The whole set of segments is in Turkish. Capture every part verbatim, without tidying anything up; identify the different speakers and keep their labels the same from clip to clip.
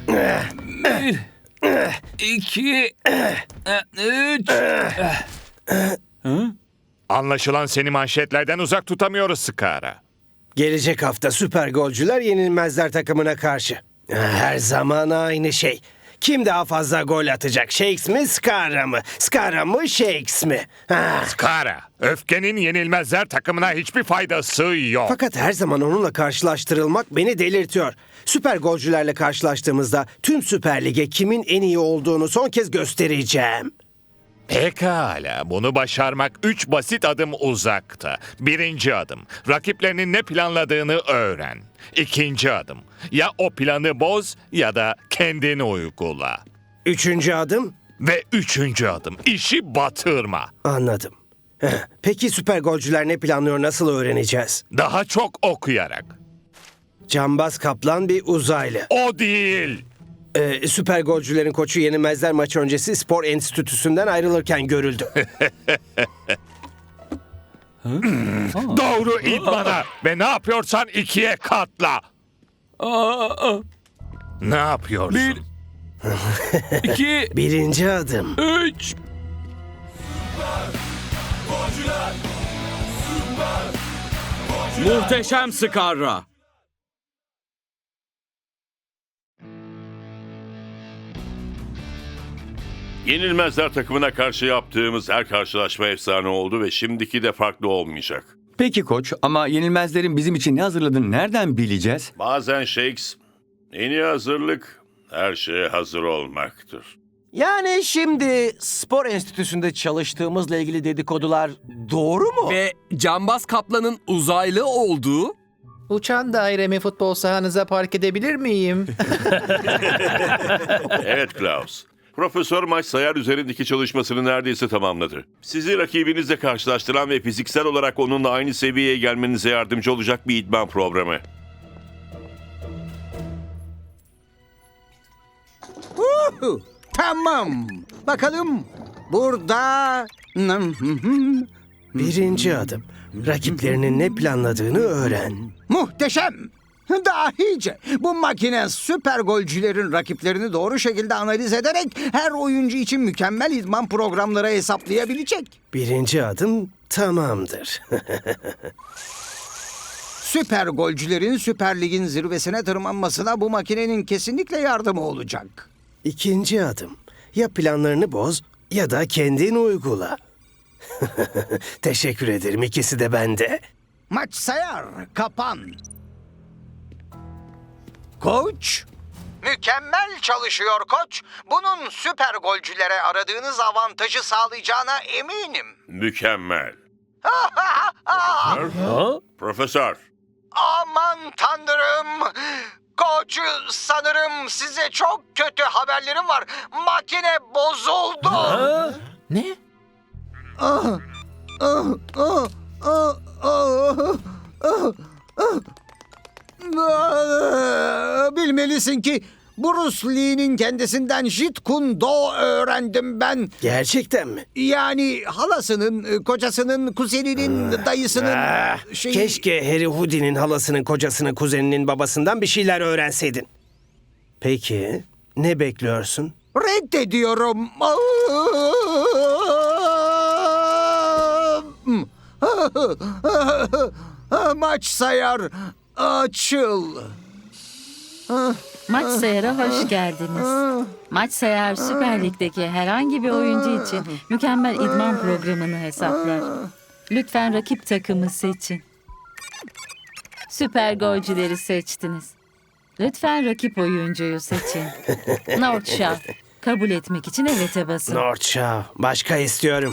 Speaker 1: Bir, iki, üç.
Speaker 2: Anlaşılan seni manşetlerden uzak tutamıyoruz Skara.
Speaker 3: Gelecek hafta süper golcüler yenilmezler takımına karşı. Her zaman aynı şey. Kim daha fazla gol atacak? Shakes mi, Skara mı? Skara mı, Shakes mi? Ha.
Speaker 2: Skara, öfkenin yenilmezler takımına hiçbir faydası yok.
Speaker 3: Fakat her zaman onunla karşılaştırılmak beni delirtiyor. Süper golcülerle karşılaştığımızda tüm Süper Lig'e kimin en iyi olduğunu son kez göstereceğim.
Speaker 2: Pekala, bunu başarmak üç basit adım uzakta. Birinci adım, rakiplerinin ne planladığını öğren. İkinci adım, ya o planı boz ya da kendini uygula.
Speaker 3: Üçüncü adım?
Speaker 2: Ve üçüncü adım, işi batırma.
Speaker 3: Anladım. Heh, Peki süper golcüler ne planlıyor, nasıl öğreneceğiz?
Speaker 2: Daha çok okuyarak.
Speaker 3: Cambaz Kaplan bir uzaylı.
Speaker 2: O değil.
Speaker 3: Ee, süper golcülerin koçu yenilmezler maçı öncesi spor enstitüsünden ayrılırken görüldü.
Speaker 2: Doğru idmana ve ne yapıyorsan ikiye katla.
Speaker 1: Aa,
Speaker 2: Ne yapıyorsun?
Speaker 1: bir, iki,
Speaker 3: Birinci adım.
Speaker 1: üç.
Speaker 4: Muhteşem Skara.
Speaker 5: Yenilmezler takımına karşı yaptığımız her karşılaşma efsane oldu ve şimdiki de farklı olmayacak.
Speaker 4: Peki koç, ama yenilmezlerin bizim için ne hazırladığını nereden bileceğiz?
Speaker 5: Bazen Shakes, en iyi hazırlık her şeye hazır olmaktır.
Speaker 6: Yani şimdi spor enstitüsünde çalıştığımızla ilgili dedikodular doğru mu?
Speaker 7: Ve Cambaz Kaplan'ın uzaylı olduğu...
Speaker 8: Uçan dairemi futbol sahanıza park edebilir miyim?
Speaker 5: Evet Klaus. Profesör maç sayar üzerindeki çalışmasını neredeyse tamamladı. Sizi rakibinizle karşılaştıran ve fiziksel olarak onunla aynı seviyeye gelmenize yardımcı olacak bir idman programı.
Speaker 9: Uhu, tamam. Bakalım burada...
Speaker 3: Birinci adım. Rakiplerinin ne planladığını öğren.
Speaker 9: Muhteşem. Dahice. Bu makine süper golcülerin rakiplerini doğru şekilde analiz ederek her oyuncu için mükemmel idman programları hesaplayabilecek.
Speaker 3: Birinci adım tamamdır.
Speaker 9: Süper golcülerin Süper Lig'in zirvesine tırmanmasına bu makinenin kesinlikle yardımı olacak.
Speaker 3: İkinci adım. Ya planlarını boz ya da kendin uygula. Teşekkür ederim, ikisi de bende.
Speaker 9: Maç sayar, kapan. Koç? Mükemmel çalışıyor koç. Bunun süper golcülere aradığınız avantajı sağlayacağına eminim.
Speaker 5: Mükemmel. Profesör.
Speaker 9: Aman tanrım. Koç, sanırım size çok kötü haberlerim var. Makine bozuldu.
Speaker 8: Ne?
Speaker 9: Ah, ah, ah, ah, ah, ah, ah. Ah, bilmelisin ki Bruce Lee'nin kendisinden Jeet Kune Do öğrendim ben.
Speaker 3: Gerçekten mi?
Speaker 9: Yani halasının, kocasının, kuzeninin, dayısının
Speaker 3: Ah,
Speaker 9: şey...
Speaker 3: Keşke Harry Houdin'in halasının, kocasının, kuzeninin babasından bir şeyler öğrenseydin. Peki, ne bekliyorsun?
Speaker 9: Reddediyorum. Maç sayar. Açıl.
Speaker 10: Maç Sayar'a hoş geldiniz. Maç Sayar Süper Lig'deki herhangi bir oyuncu için mükemmel idman programını hesaplar. Lütfen rakip takımı seçin. Süper golcüleri seçtiniz. Lütfen rakip oyuncuyu seçin. North Shaw. Kabul etmek için evet'e basın.
Speaker 3: North Shaw. Başka istiyorum.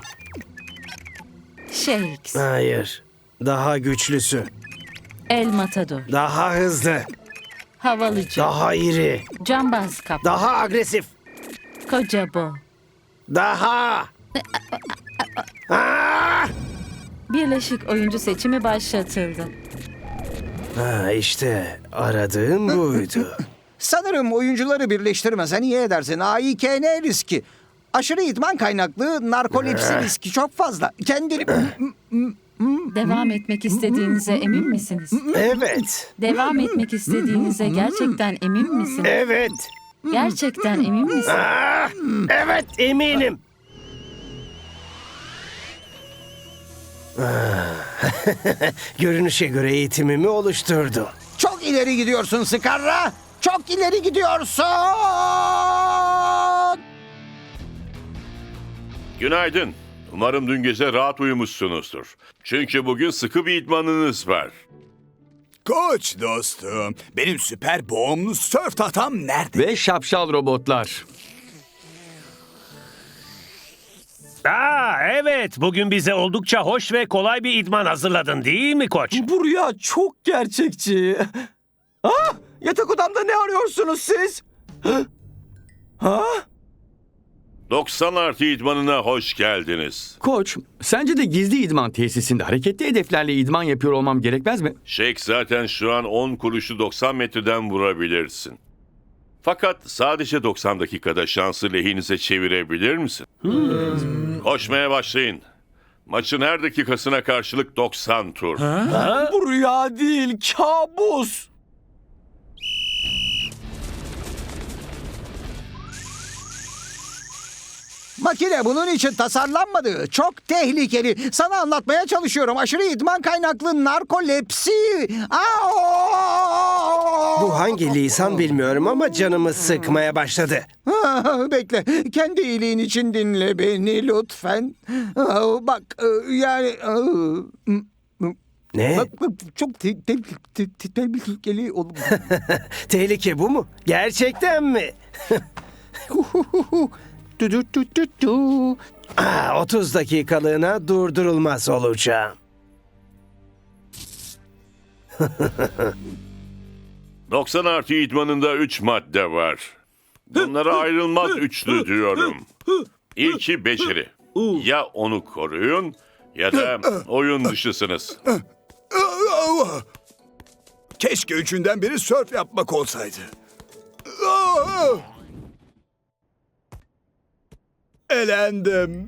Speaker 10: Shakes.
Speaker 3: Hayır. Daha güçlüsü.
Speaker 10: El Matador.
Speaker 3: Daha hızlı.
Speaker 10: Havalıcı.
Speaker 3: Daha iri.
Speaker 10: Cambaz Kaplan.
Speaker 3: Daha agresif.
Speaker 10: Koca Bo.
Speaker 3: Daha. Ah!
Speaker 10: Birleşik oyuncu seçimi başlatıldı.
Speaker 3: Ha, işte aradığım buydu.
Speaker 9: Sanırım oyuncuları birleştirmesen iyi edersin. A İ K N riski. Aşırı idman kaynaklı narkolepsi riski çok fazla. Kendini...
Speaker 10: Devam etmek istediğinize emin misiniz?
Speaker 3: Evet.
Speaker 10: Devam etmek istediğinize gerçekten emin misiniz?
Speaker 3: Evet.
Speaker 10: Gerçekten emin misin?
Speaker 3: Ah, evet eminim. Ah, görünüşe göre eğitimimi oluşturdu.
Speaker 9: Çok ileri gidiyorsun Skarra. Çok ileri gidiyorsun.
Speaker 5: Günaydın. Umarım dün gece rahat uyumuşsunuzdur. Çünkü bugün sıkı bir idmanınız var.
Speaker 11: Koç dostum, benim süper boğumlu sörf tahtam nerede?
Speaker 4: Ve şapşal robotlar.
Speaker 12: Aa, evet, bugün bize oldukça hoş ve kolay bir idman hazırladın değil mi koç?
Speaker 6: Bu rüya çok gerçekçi. Ah, yatak odamda ne arıyorsunuz siz? Ha?
Speaker 5: doksan artı idmanına hoş geldiniz.
Speaker 4: Koç, sence de gizli idman tesisinde hareketli hedeflerle idman yapıyor olmam gerekmez mi?
Speaker 5: Shake zaten şu an on kuruşu doksan metreden vurabilirsin. Fakat sadece doksan dakikada şansı lehinize çevirebilir misin? Hmm. Koşmaya başlayın. Maçın her dakikasına karşılık doksan tur.
Speaker 6: Ha? Bu rüya değil, kabus.
Speaker 9: Makine bunun için tasarlanmadı. Çok tehlikeli. Sana anlatmaya çalışıyorum. Aşırı idman kaynaklı narkolepsi. Aa!
Speaker 3: Bu hangi lisan bilmiyorum ama canımı sıkmaya başladı.
Speaker 9: Ah, bekle. Kendi iyiliğin için dinle beni lütfen. Ah, bak e, yani... ah,
Speaker 3: Ne?
Speaker 9: Bak, bak, çok te- te- te- te- tehlikeli oğlum.
Speaker 3: Tehlike bu mu? Gerçekten mi?
Speaker 9: Du- du- du- du- du.
Speaker 3: Aa, otuz dakikalığına durdurulmaz olacağım.
Speaker 5: doksan artı idmanında üç madde var. Bunlara ayrılmaz üçlü diyorum. İlki beceri. Ya onu koruyun ya da oyun dışısınız.
Speaker 11: Keşke üçünden biri sörf yapmak olsaydı. Aa! Elendim.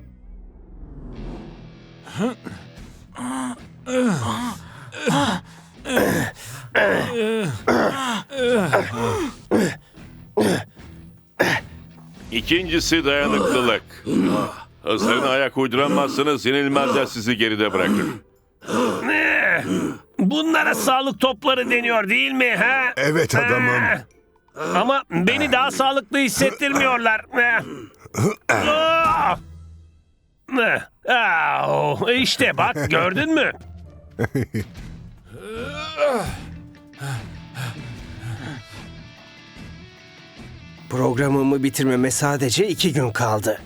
Speaker 5: İkincisi dayanıklılık. Hızlarına ayak uyduramazsanız yenilmezler sizi geride bırakır.
Speaker 12: Bunlara sağlık topları deniyor değil mi? Ha?
Speaker 11: Evet adamım.
Speaker 12: Ama beni daha sağlıklı hissettirmiyorlar. Aa! Aa, İşte bak gördün mü?
Speaker 3: Programımı bitirmeme sadece iki gün kaldı.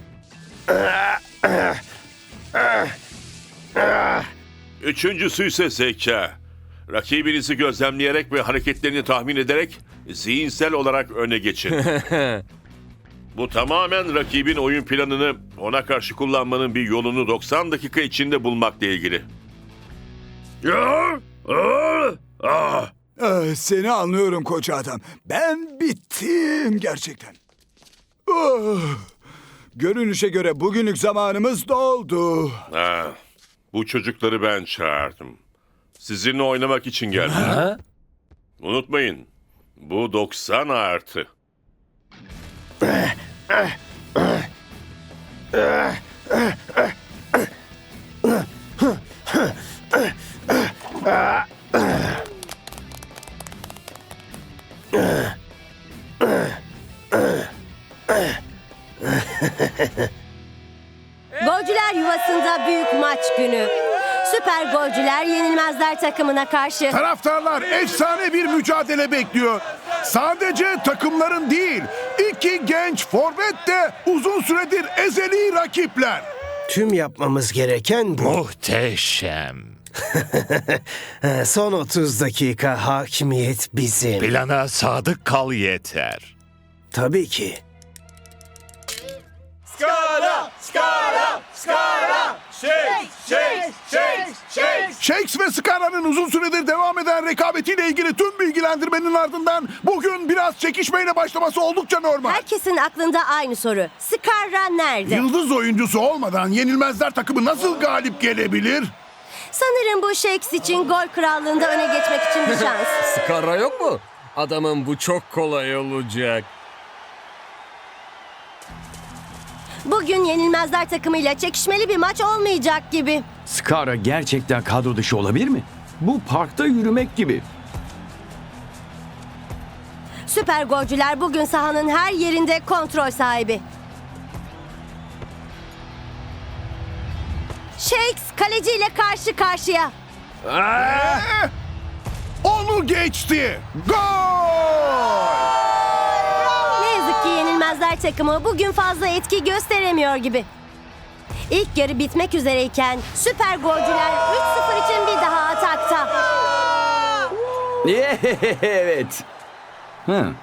Speaker 5: Üçüncüsü ise zeka. Rakibinizi gözlemleyerek ve hareketlerini tahmin ederek zihinsel olarak öne geçin. Bu tamamen rakibin oyun planını ona karşı kullanmanın bir yolunu doksan dakika içinde bulmakla ilgili.
Speaker 11: Ah, seni anlıyorum koç adam. Ben bittim gerçekten. Ah, görünüşe göre bugünlük zamanımız doldu.
Speaker 5: Ha, bu çocukları ben çağırdım. Sizinle oynamak için geldim. Unutmayın, bu doksan artı.
Speaker 13: Golcüler yuvasında büyük maç günü. Süper golcüler yenilmezler takımına karşı.
Speaker 11: Taraftarlar efsane bir mücadele bekliyor. Sadece takımların değil, iki genç forvet de uzun süredir ezeli rakipler.
Speaker 3: Tüm yapmamız gereken bu.
Speaker 2: Muhteşem.
Speaker 3: Son otuz dakika hakimiyet bizim.
Speaker 2: Plana sadık kal yeter.
Speaker 3: Tabii ki.
Speaker 11: Skara, skara, skara, shake, shake, shake, shake. Shakes ve Skara'nın uzun süredir devam eden rekabetiyle ilgili tüm bilgilendirmenin ardından bugün biraz çekişmeyle başlaması oldukça normal.
Speaker 13: Herkesin aklında aynı soru. Skarra nerede?
Speaker 11: Yıldız oyuncusu olmadan yenilmezler takımı nasıl galip gelebilir?
Speaker 13: Sanırım bu Shakes için gol krallığında öne geçmek için bir şans.
Speaker 7: Skarra yok mu? Adamın bu çok kolay olacak.
Speaker 13: Bugün Yenilmezler takımıyla çekişmeli bir maç olmayacak gibi.
Speaker 4: Skara gerçekten kadro dışı olabilir mi? Bu parkta yürümek gibi.
Speaker 13: Süper golcüler bugün sahanın her yerinde kontrol sahibi. Shakes kaleciyle karşı karşıya.
Speaker 11: Ee, onu geçti. Gol!
Speaker 13: Ne yazık ki Yenilmezler takımı bugün fazla etki gösteremiyor gibi. İlk yarı bitmek üzereyken süper golcüler üç sıfır için bir daha atakta.
Speaker 4: Evet. Hı.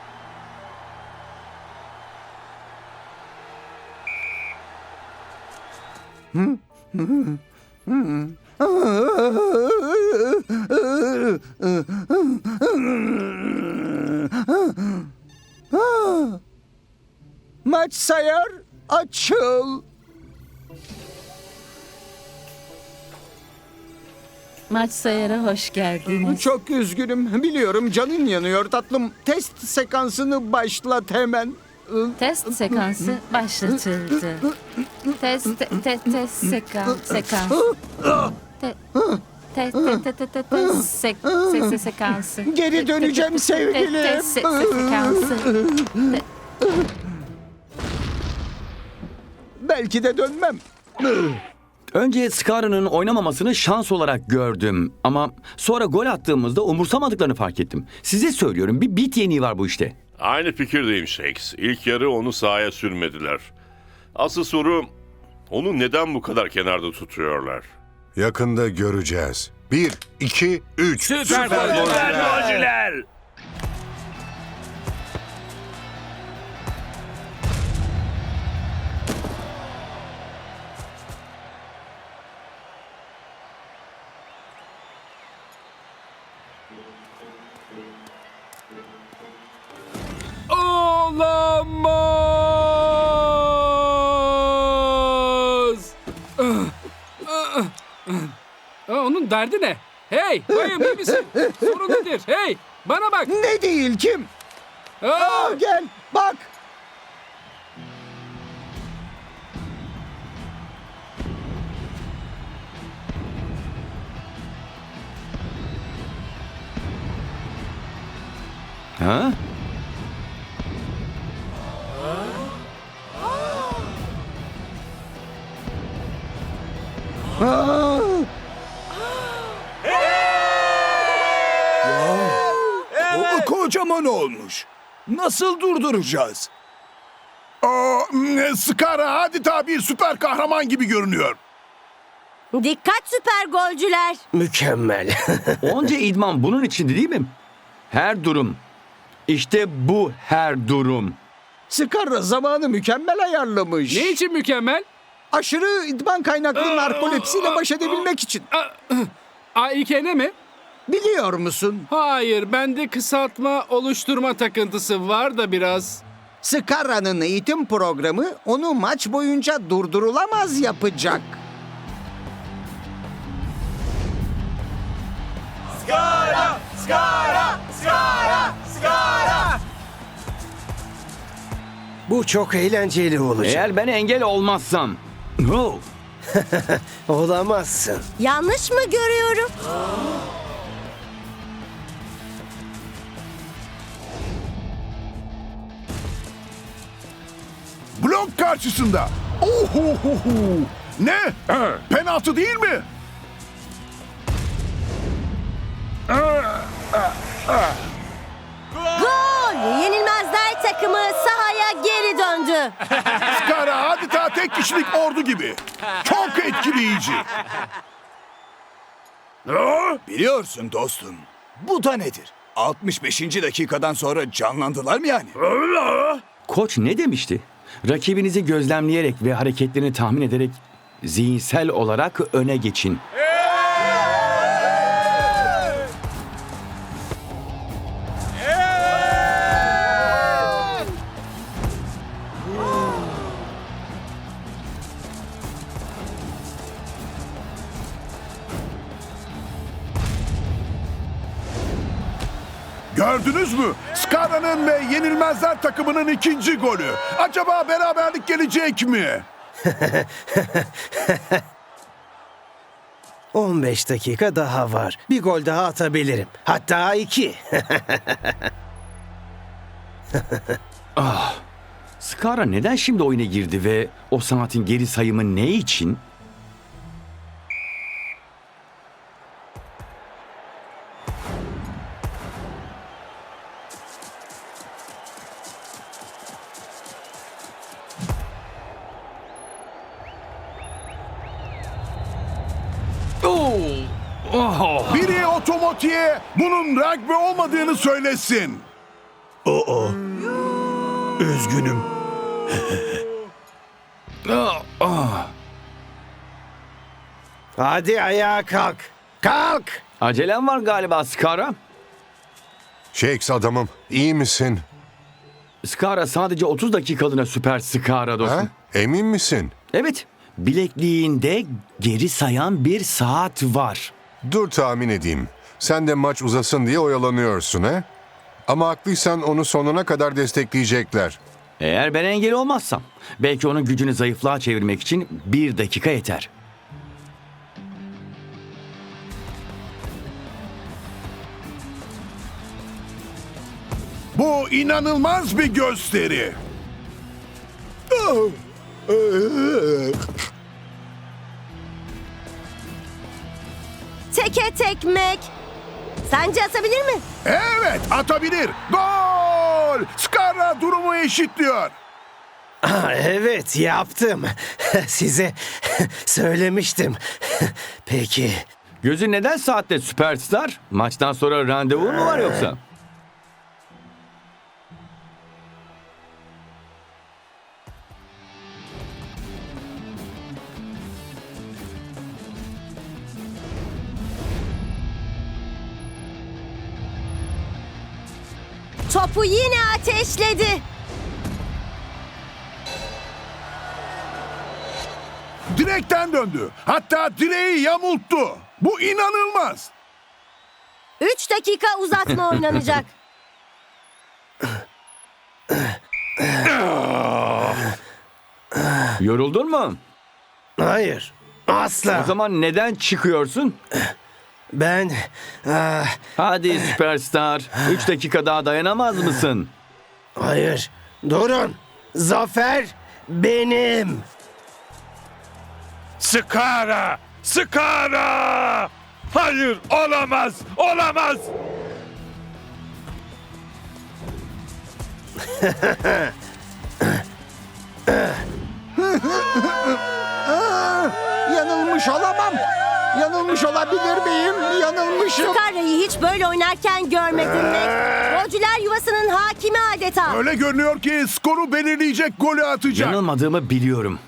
Speaker 9: Maç sayar, açıl.
Speaker 10: Maç sayara hoş geldiniz.
Speaker 9: Çok üzgünüm. Biliyorum canın yanıyor tatlım. Test sekansını başlat hemen.
Speaker 10: Test sekansı başlatıldı. Test te, te, test sekan sekans. Te, te, te, te, te, te, te, sek, se, se, sekansı.
Speaker 9: Geri döneceğim sevgilim.
Speaker 10: Te, te, se, se, sekansı. Te-
Speaker 9: Belki de dönmem.
Speaker 4: Önce Skara'nın oynamamasını şans olarak gördüm. Ama sonra gol attığımızda umursamadıklarını fark ettim. Size söylüyorum, bir bit yeniği var bu işte.
Speaker 5: Aynı fikirdeyim Shakes. İlk yarı onu sahaya sürmediler. Asıl soru, onu neden bu kadar kenarda tutuyorlar?
Speaker 14: Yakında göreceğiz. Bir, iki, üç.
Speaker 1: Süper golcüler. Olamaz. Aa, onun derdi ne? Hey, bayım iyi misin? Sorun nedir? Hey, bana bak.
Speaker 9: Ne değil kim?
Speaker 1: Aa,
Speaker 9: Aa, gel bak.
Speaker 4: Ha?
Speaker 9: Aa,
Speaker 11: O kocaman olmuş. Nasıl durduracağız? Aa, Skara adeta bir süper kahraman gibi görünüyor.
Speaker 13: Dikkat süper golcüler.
Speaker 3: Mükemmel.
Speaker 4: Onca idman bunun içindi değil mi? Her durum. İşte bu her durum.
Speaker 9: Skara zamanı mükemmel ayarlamış.
Speaker 1: ne için mükemmel?
Speaker 9: Aşırı idman kaynaklı narkolepsiyle baş edebilmek için.
Speaker 1: A İ K N mi?
Speaker 9: Biliyor musun?
Speaker 1: Hayır, bende kısaltma oluşturma takıntısı var da biraz.
Speaker 9: Skara'nın eğitim programı onu maç boyunca durdurulamaz yapacak.
Speaker 6: Skara! Skara! Skara! Skara!
Speaker 3: Bu çok eğlenceli olacak.
Speaker 4: Eğer ben engel olmazsam. Oh.
Speaker 3: Olamazsın.
Speaker 13: Yanlış mı görüyorum?
Speaker 11: Blok karşısında. Ohohoho. Ne? Penaltı değil mi?
Speaker 13: Gol! Yenilmezler takımı sahaya geri döndü.
Speaker 11: Skara adeta tek kişilik ordu gibi. Çok etkileyici.
Speaker 15: Biliyorsun dostum. Bu da nedir? altmış beşinci dakikadan sonra canlandılar mı yani?
Speaker 4: Koç ne demişti? Rakibinizi gözlemleyerek ve hareketlerini tahmin ederek zihinsel olarak öne geçin.
Speaker 11: Gördünüz mü? Skara'nın ve Yenilmezler takımının ikinci golü. Acaba beraberlik gelecek mi?
Speaker 3: on beş dakika daha var. Bir gol daha atabilirim. Hatta iki.
Speaker 4: Ah, Skara neden şimdi oyuna girdi ve o saatin geri sayımı ne için?
Speaker 11: Biri otomotiye bunun rugby olmadığını söylesin.
Speaker 3: Oo. Üzgünüm. Hadi ayağa kalk. Kalk.
Speaker 4: Acelem var galiba Skara.
Speaker 14: Shakes adamım, iyi misin?
Speaker 4: Skara sadece otuz dakikalığına süper Skara dostum.
Speaker 14: Ha? Emin misin?
Speaker 4: Evet. Bilekliğinde geri sayan bir saat var.
Speaker 14: Dur tahmin edeyim. Sen de maç uzasın diye oyalanıyorsun he? Ama haklıysan onu sonuna kadar destekleyecekler.
Speaker 4: Eğer ben engel olmazsam belki onun gücünü zayıflığa çevirmek için bir dakika yeter.
Speaker 11: Bu inanılmaz bir gösteri.
Speaker 13: Teke tekmek. Sence atabilir mi?
Speaker 11: Evet, atabilir. Gol! Skara durumu eşitliyor.
Speaker 3: Ah, evet yaptım. Size söylemiştim. Peki.
Speaker 4: Gözün neden saatte süperstar? Maçtan sonra randevu mu var yoksa?
Speaker 13: Topu yine ateşledi.
Speaker 11: Direkten döndü. Hatta direği yamulttu. Bu inanılmaz.
Speaker 13: Üç dakika uzatma oynanacak.
Speaker 4: Yoruldun mu?
Speaker 3: Hayır. Asla.
Speaker 4: O zaman neden çıkıyorsun?
Speaker 3: Ben... ah,
Speaker 4: Hadi süperstar. Üç dakika daha dayanamaz mısın?
Speaker 3: hayır. Durun. Zafer benim.
Speaker 2: Skara! Skara! Hayır, olamaz, olamaz.
Speaker 9: Yanılmış olamam. Yanılmış olabilir miyim? Yanılmışım.
Speaker 13: Skara'yı hiç böyle oynarken görmedim Mac. Golcüler yuvasının hakimi adeta.
Speaker 11: Öyle görünüyor ki skoru belirleyecek golü atacak.
Speaker 4: Yanılmadığımı biliyorum.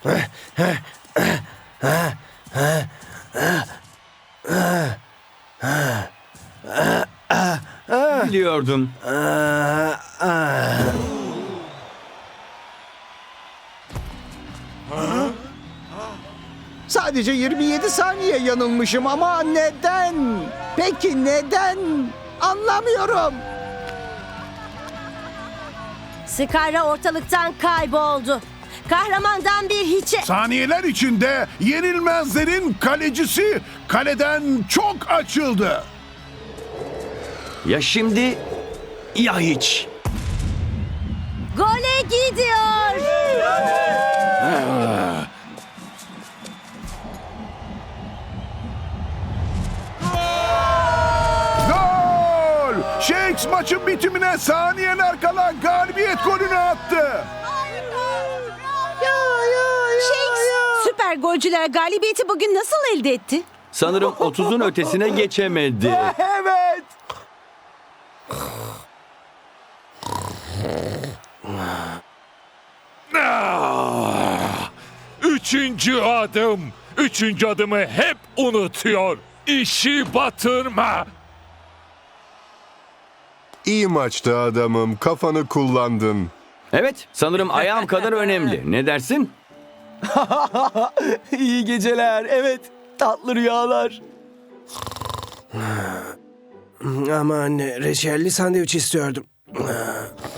Speaker 4: Biliyordum.
Speaker 3: Ah, ah.
Speaker 9: Sadece yirmi yedi saniye yanılmışım ama neden? Peki neden? Anlamıyorum.
Speaker 13: Skara ortalıktan kayboldu. Kahramandan bir hiçe...
Speaker 11: Saniyeler içinde Yenilmezlerin kalecisi kaleden çok açıldı.
Speaker 4: Ya şimdi ya hiç.
Speaker 13: Gole gidiyor.
Speaker 11: Gol! Shakes maçın bitimine saniyeler kala galibiyet golünü attı.
Speaker 16: Shakes, süper golcüler galibiyeti bugün nasıl elde etti?
Speaker 4: Sanırım otuzun ötesine geçemedi.
Speaker 6: Evet.
Speaker 2: Ah! Üçüncü adım. Üçüncü adımı hep unutuyor. İşi batırma.
Speaker 14: İyi maçtı adamım. Kafanı kullandın.
Speaker 4: Evet, sanırım ayağım kadar önemli. Ne dersin?
Speaker 6: İyi geceler. Evet. Tatlı rüyalar.
Speaker 3: Ama anne, reçelli sandviç istiyordum.